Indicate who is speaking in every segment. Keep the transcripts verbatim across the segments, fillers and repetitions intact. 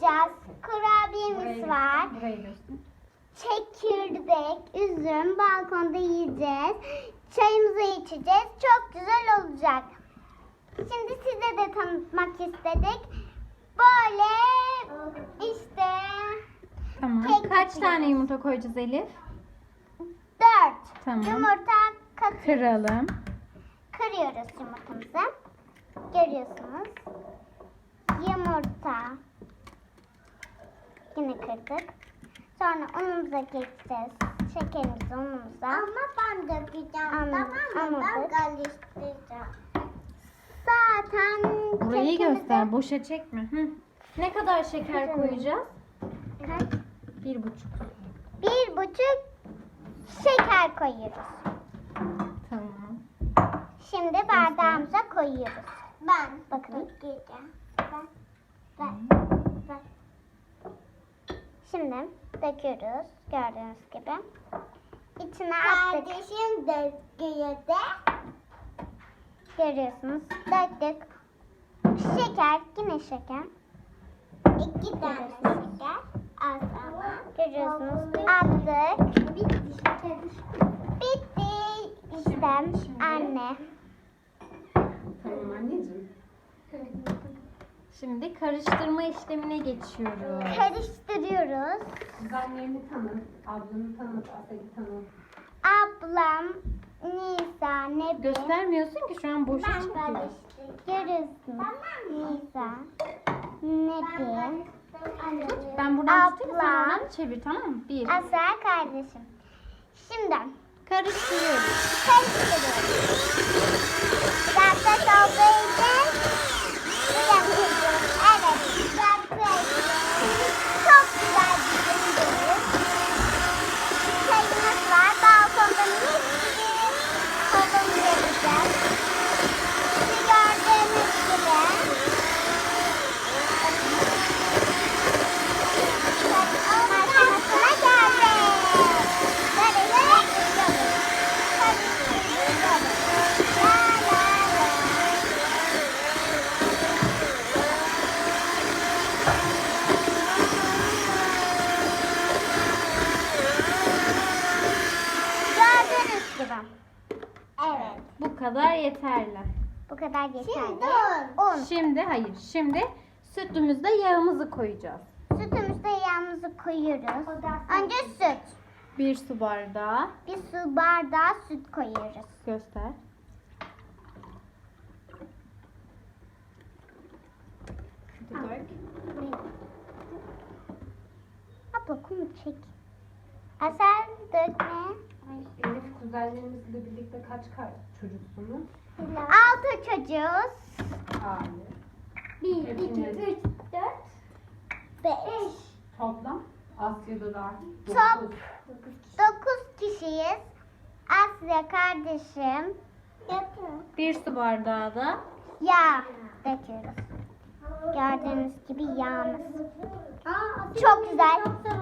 Speaker 1: yapacağız. Kurabiyemiz var.
Speaker 2: Burayı göster.
Speaker 1: Çekirdek, üzüm, balkonda yiyeceğiz. Çayımızı içeceğiz. Çok güzel olacak. Şimdi size de tanıtmak istedik. Böyle işte
Speaker 2: Tamam.
Speaker 1: Kek
Speaker 2: Kaç
Speaker 1: yapacağız.
Speaker 2: tane yumurta koyacağız Elif?
Speaker 1: dört
Speaker 2: Tamam.
Speaker 1: yumurta katıyoruz.
Speaker 2: Kıralım.
Speaker 1: Kırıyoruz yumurtamızı. Görüyorsunuz. Yumurta. Yine kırdık. Sonra unumuza geçeceğiz. Şekerimizi unumuza. Ama ben dökeceğim. Tamam mı? Ben karıştıracağım. Zaten
Speaker 2: Burayı
Speaker 1: kekimizi-
Speaker 2: göster. Boşa çekme. Hı. Ne kadar şeker
Speaker 1: Kıralım.
Speaker 2: koyacağız?
Speaker 1: Kaç?
Speaker 2: Bir buçuk.
Speaker 1: Bir buçuk şeker koyuyoruz.
Speaker 2: Tamam.
Speaker 1: Şimdi bardağımıza koyuyoruz. Ben. Bakın. Dökeceğim. Ben. Ben. Ben. Şimdi döküyoruz. Gördüğünüz gibi. İçine attık. Kardeşim döküyor da. Görüyorsunuz. Döktük. Şeker. Yine şeker. İki tane şeker. Az ama. Görüyorsunuz. Attık. Bitti. İşte anne.
Speaker 3: Tamam anneciğim.
Speaker 2: Şimdi karıştırma işlemine geçiyoruz.
Speaker 1: Karıştırıyoruz.
Speaker 3: Kuzenlerini tanı, ablanı tanı, Asel'i tanı.
Speaker 1: Ablam, Nisa, Nebi.
Speaker 2: Göstermiyorsun ki şu an boşa çıkıyor.
Speaker 1: Görüyorsunuz. Nisa, Nebi.
Speaker 2: Ben buradan tutayım, sen
Speaker 1: Abla.
Speaker 2: oradan çevir, tamam mı? Bir.
Speaker 1: Asel kardeşim. Şimdi
Speaker 2: Karıştırıyoruz.
Speaker 1: karıştırıyoruz. Biraz da olduğu için yapıyoruz. Evet. Biraz çok güzel bir gündür. Çayımız var. Balkonda mis gibi kolumuzu yapacağız. Şu gördüğünüz gibi. Aşamasına geldik. Karıştırıyoruz. Karıştırıyoruz. La la la. Gördüğünüz gibi. Evet.
Speaker 2: Bu kadar yeterli.
Speaker 1: Bu kadar yeterli. Un.
Speaker 2: Şimdi hayır. Şimdi sütümüzde yağımızı koyacağğız.
Speaker 1: Sütümüzde yağımızı koyuyoruz. Önce süt.
Speaker 2: Bir su bardağı.
Speaker 1: Bir su bardağı süt koyuyoruz.
Speaker 2: Göster. Hadi dök.
Speaker 1: Abla kumu çek. Asel dökme.
Speaker 3: Elif kuzenlerinizle birlikte kaç kaç çocuksunuz?
Speaker 1: Altı çocuğuz.
Speaker 3: Aile.
Speaker 1: Bir,
Speaker 3: Hepiniz.
Speaker 1: dört, beş.
Speaker 3: Toplam Asya'da dahil.
Speaker 1: Top.
Speaker 3: dokuz.
Speaker 1: Dokuz kişiyiz. Asya kardeşim.
Speaker 2: Bir su bardağı da
Speaker 1: Yağ döküyoruz. Gördüğünüz gibi yağımız. Çok güzel.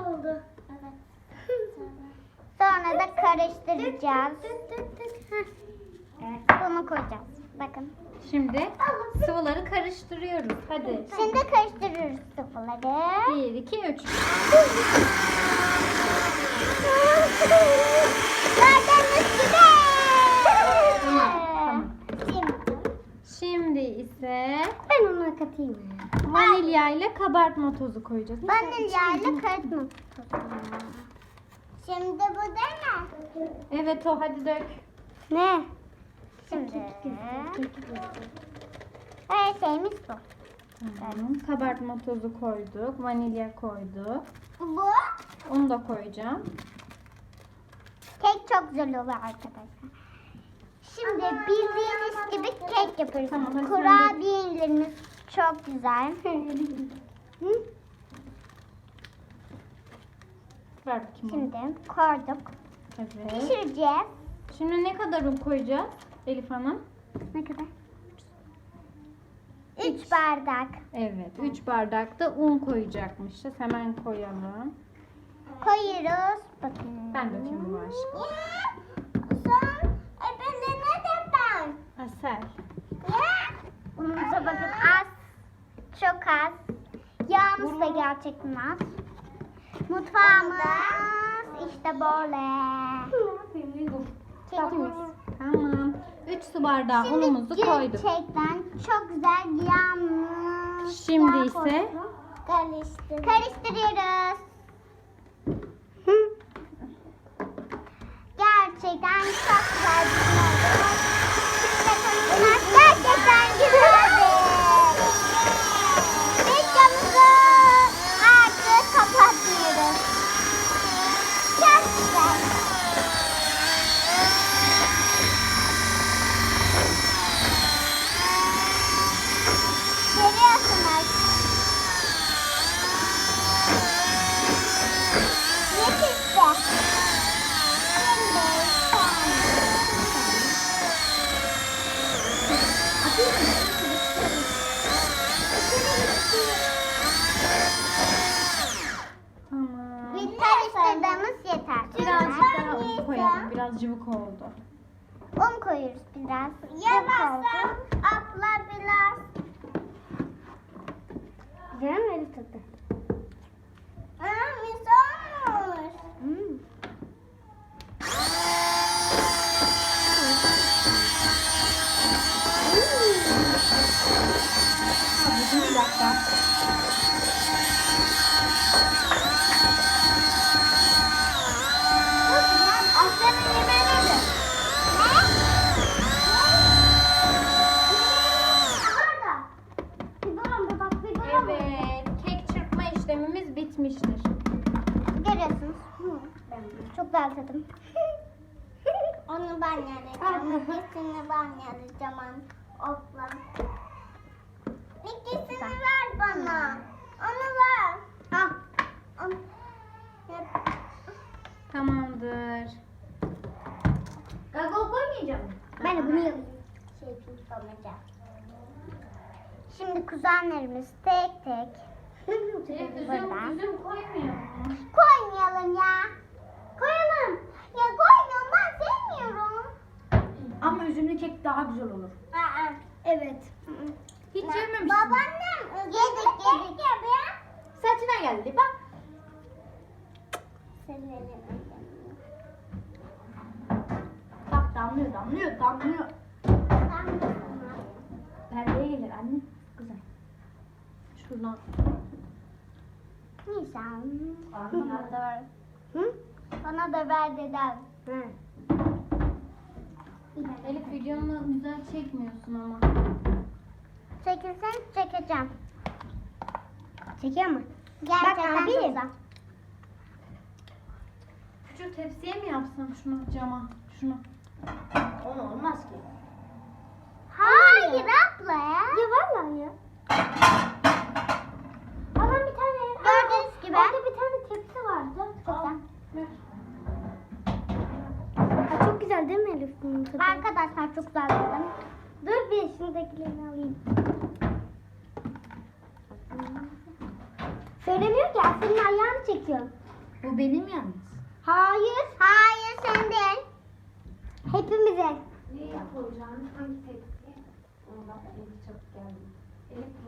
Speaker 1: Sonra da karıştıracağız. Evet, bunu koyacağız. Bakın.
Speaker 2: şimdi sıvıları karıştırıyoruz. Hadi.
Speaker 1: Şimdi karıştırıyoruz sıvıları.
Speaker 2: Bir, iki, üç.
Speaker 1: Gördüğünüz gibi.
Speaker 2: Tamam.
Speaker 1: Şimdi
Speaker 2: Şimdi ise
Speaker 1: ben ona katayım.
Speaker 2: vanilya ile kabartma tozu koyacağız.
Speaker 1: Vanilya ile karıştırma. Şimdi bu da ne?
Speaker 2: Evet o, hadi dök.
Speaker 1: Ne? Şimdi her şeyimiz bu.
Speaker 2: Tamam. Kabartma tozu koyduk. Vanilya koyduk.
Speaker 1: Bu
Speaker 2: Onu da koyacağım.
Speaker 1: kek çok güzel oluyor arkadaşlar. Şimdi bildiğiniz gibi kek yapıyoruz.
Speaker 2: Tamam, hadi sen
Speaker 1: Kurabiyelerimiz çok güzel. Hı?
Speaker 2: Ver bakayım. onu.
Speaker 1: Şimdi koyduk.
Speaker 2: Evet.
Speaker 1: Pişireceğiz.
Speaker 2: Şimdi ne kadar un koyacağız Elif Hanım?
Speaker 1: Ne kadar? Üç bardak.
Speaker 2: Evet. üç bardak da un koyacakmışız. Hemen koyalım.
Speaker 1: Koyuyoruz. Bakın.
Speaker 2: Ben dökeyim bu aşkım.
Speaker 1: Son. E ben de ne de ben?
Speaker 2: Asel.
Speaker 1: Ya. Unumuza bakın az. Çok az. Yağ Mutfağımız da gerçekten az. Mutfağımız işte böyle. Çekimiz.
Speaker 2: Tamam. üç su bardağı unumuzu koyduk.
Speaker 1: Gerçekten çok güzel yanmış.
Speaker 2: Şimdi
Speaker 1: Yağ
Speaker 2: ise
Speaker 1: koyduk. Karıştır. Karıştırıyoruz. Gerçekten çok güzel bir şey oldu. Şimdi konuşmak gerçekten güzeldi. Videomuzu artık kapatıyoruz. Çok güzel. Görüyorsunuz. Yetişti.
Speaker 2: tamam.
Speaker 1: Şimdi karıştırdığımız yeter.
Speaker 2: Birazcık daha un koyalım. Biraz cıvık oldu.
Speaker 1: Un koyuyoruz biraz. Yavaşsa abla biraz. Güzel mi öyle tadı? Aa, mis olmuş. Hmm.
Speaker 2: Bir dakika.
Speaker 1: Aslanın yemeği neydi? Ne? Orada. Bir durun bir bak bir durun.
Speaker 2: Evet. Kek çırpma işlemimiz bitmiştir.
Speaker 1: Görüyorsunuz. Çok güzel tadım. Onu ben yarayacağım. İkisini ben yarayacağım. Okla. İkisini ver bana. Onu ver. Al. Onu. Yap.
Speaker 2: Tamamdır.
Speaker 1: Gago koymayacağım. Ben de bunu yapayım. Şey tutmayacağım. Şimdi kuzenlerimiz tek tek. Buradan.
Speaker 2: üzüm koymuyor mu?
Speaker 1: Koymayalım ya. Koyalım. Ya koymuyorum ben sevmiyorum.
Speaker 3: Ama üzümlü kek daha güzel olur.
Speaker 1: Aa, evet.
Speaker 2: Hiç yememişsin.
Speaker 1: Babaannem yedik yedik. Ya be.
Speaker 3: Saçına geldi bak. Bak damlıyor damlıyor damlıyor. Perdeye gelir anne. Güzel.
Speaker 2: Şuradan.
Speaker 1: Nisan.
Speaker 3: Bana da ver.
Speaker 1: Hı? Bana da ver dedem. Hı.
Speaker 2: Elif videonu güzel çekmiyorsun ama.
Speaker 1: Çekilsen çekeceğim. Çekiyor mu? Gerçekten çok güzel.
Speaker 2: Küçük tepsiye mi yapsam şunu cama? Şunu.
Speaker 3: Onu olmaz ki.
Speaker 1: Hayır abla ya. Ya vallahi ya. Ama bir tane. Gördüğünüz gibi. Orada bir tane tepsi vardı. Çok güzel.
Speaker 2: Ver.
Speaker 1: Ha, çok güzel değil mi Elif bunun tadı? Arkadaşlar çok güzel dedim. Dur bir şuradakilerini alayım. Söylemiyor ki senin ayağını çekiyor.
Speaker 3: Bu benim yalnız.
Speaker 1: Hayır. Hayır sen değil. Hepimize.
Speaker 3: Ne yapacağım? Hangi tepsi? Ondan Elif çok geldi. Elif